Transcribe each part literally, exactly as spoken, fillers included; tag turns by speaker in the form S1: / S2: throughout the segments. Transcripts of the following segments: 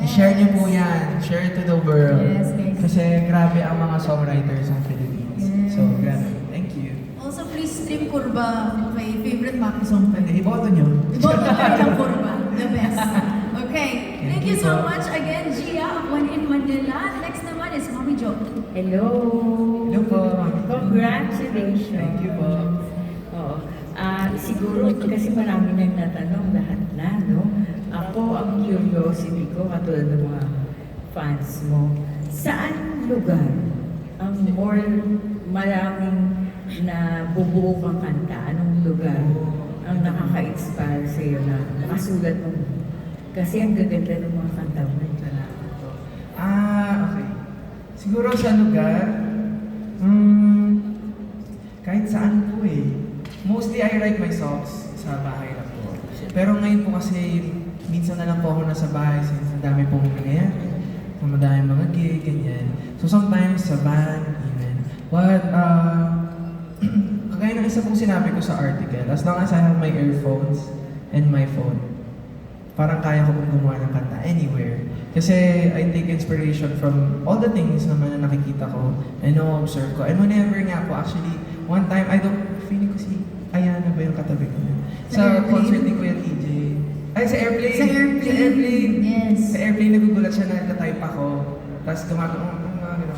S1: I-share niyo po yan. Share it to the world.
S2: Yes, guys.
S1: Kasi grabe ang mga songwriters ng Philippines.
S2: Yes.
S1: So, grabe. Thank you.
S2: Also, please stream Kurba, my favorite Maki song.
S1: Hindi, iboto niyo.
S2: Iboto kayo ng Kurba. The best. Okay. Thank you
S1: you
S2: so
S1: po.
S2: much again, Gia of One in Manila. Next naman is Mommy Jo.
S3: Hello!
S1: Hello po.
S3: Congratulations!
S1: Thank you po.
S3: Oo. Ah, siguro kasi marami nang natanong lahat na, no? Ako, ang curiosity ko, katulad ng mga fans mo, saan lugar ang more maraming na bubuo kang kanta? Anong lugar ang nakaka-inspire sa'yo na nakasulat mo? Kasi ang gaganda ng mga kanta mo.
S1: Salamat po. Ah, okay. Siguro sa lugar, hmm, kahit saan po eh. Mostly I write my songs sa bahay lang po. Pero ngayon po kasi, minsan na lang po ako nasa bahay since ang dami pong nangyayari. So, madami mga gig, ganyan. So sometimes sa van, even. What, uh, kagaya ng isa pong sinabi ko sa article, as long as I have my earphones and my phone, parang kaya ko pong gumawa ng kanta anywhere. Kasi I take inspiration from all the things naman na nakikita ko and na-observe ko. And whenever nga po, actually, one time, I don't, feeling ko si Ayana ba yung katabi ko?
S2: Sa
S1: Sa
S2: airplane?
S1: concert ni Kuya T J. Ay, sa airplane!
S2: Sa airplane.
S1: Sa airplane!
S2: Yes.
S1: Sa airplane, nagugulat siya na nagtatype ako. Tapos gumagawa ko, mga gano'n.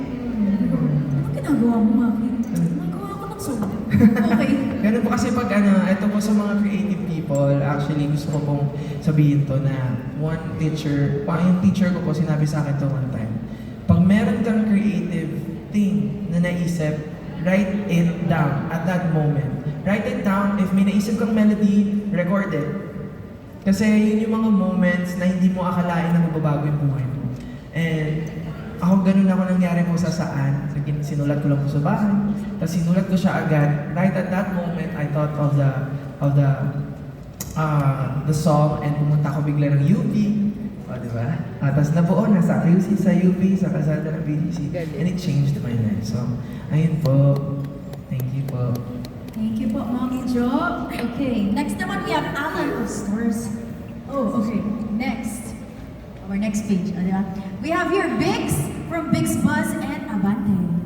S2: Ano ginagawa mo, Maki? Magawa ko ng song. Okay.
S1: Ganun po kasi pag ano, ito po sa mga creative people, actually gusto ko pong sabihin to na one teacher, pa yung teacher ko po sinabi sa akin to one time. Pag meron kang creative thing na naisip, write it down at that moment. Write it down, if may naisip kang melody, record it. Kasi yun yung mga moments na hindi mo akalain na magbabago yung buhay mo. And ako ganun ako nangyari po sa saan. Sinulat ko lang po sa bahay. Tapos sinulat ko siya agad. Right at that moment, I thought of the of the uh, the song and pumunta ako bigla ng U P. O, di ba? Uh, tapos nabuo na sa Q C, sa U P, sa Kasada ng B G C. And it changed my life. So, ayun po. Thank you po.
S2: Thank you po, Mommy Jo. Okay, next naman we have Alan of Stars. Oh, okay. Next. Our next page. Ano ba? We have here Biggs from Biggs Buzz and Abante.